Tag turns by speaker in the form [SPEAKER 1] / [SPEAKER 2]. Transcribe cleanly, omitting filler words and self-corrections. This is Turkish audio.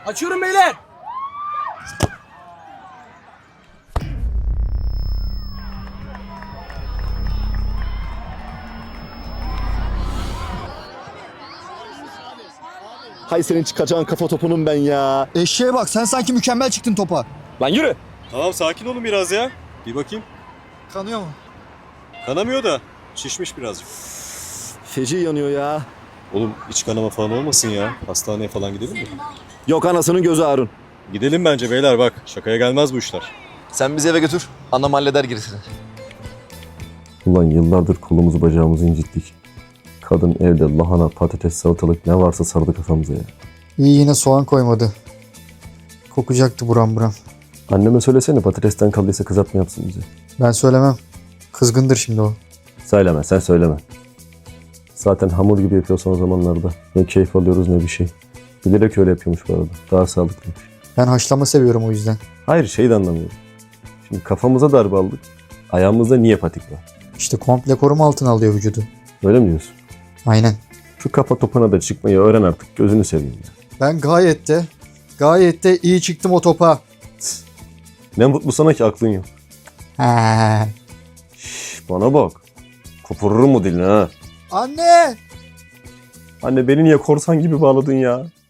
[SPEAKER 1] Açıyorum beyler.
[SPEAKER 2] Hay senin çıkacağın kafa topunun ben ya.
[SPEAKER 3] Eşeğe bak, sen sanki mükemmel çıktın topa.
[SPEAKER 2] Lan yürü.
[SPEAKER 4] Tamam sakin olun biraz ya. Bir bakayım.
[SPEAKER 3] Kanıyor mu?
[SPEAKER 4] Kanamıyor da şişmiş birazcık.
[SPEAKER 2] Feci yanıyor ya.
[SPEAKER 4] Oğlum iç kanama falan olmasın ya. Hastaneye falan gidelim mi?
[SPEAKER 2] Yok anasının gözü Harun.
[SPEAKER 4] Gidelim bence beyler bak. Şakaya gelmez bu işler.
[SPEAKER 5] Sen bizi eve götür. Anam halleder gerisini.
[SPEAKER 6] Ulan yıllardır kolumuzu bacağımızı incittik. Kadın evde lahana, patates, salatalık ne varsa sardı kafamıza ya.
[SPEAKER 3] İyi, yine soğan koymadı. Kokacaktı buram buram.
[SPEAKER 6] Anneme söylesene patatesten kaldıysa kızartma yapsın bize.
[SPEAKER 3] Ben söylemem. Kızgındır şimdi o.
[SPEAKER 6] Söyleme sen söyleme. Zaten hamur gibi yapıyor son zamanlarda. Ne keyif alıyoruz ne bir şey. Bilerek öyle yapıyormuş bu arada. Daha sağlıklıymış.
[SPEAKER 3] Ben haşlama seviyorum o yüzden.
[SPEAKER 6] Hayır şey de anlamıyorum. Şimdi kafamıza darbe aldık. Ayağımızda niye patik var?
[SPEAKER 3] İşte komple koruma altına alıyor vücudu.
[SPEAKER 6] Öyle mi diyorsun?
[SPEAKER 3] Aynen.
[SPEAKER 6] Şu kafa topuna da çıkmayı öğren artık. Gözünü seveyim ya.
[SPEAKER 3] Ben gayet de iyi çıktım o topa.
[SPEAKER 6] Ne mutlu sana ki aklın yok.
[SPEAKER 3] He.
[SPEAKER 6] Şş, bana bak. Kopururum mu dilini ha?
[SPEAKER 3] Anne!
[SPEAKER 6] Anne beni niye korsan gibi bağladın ya?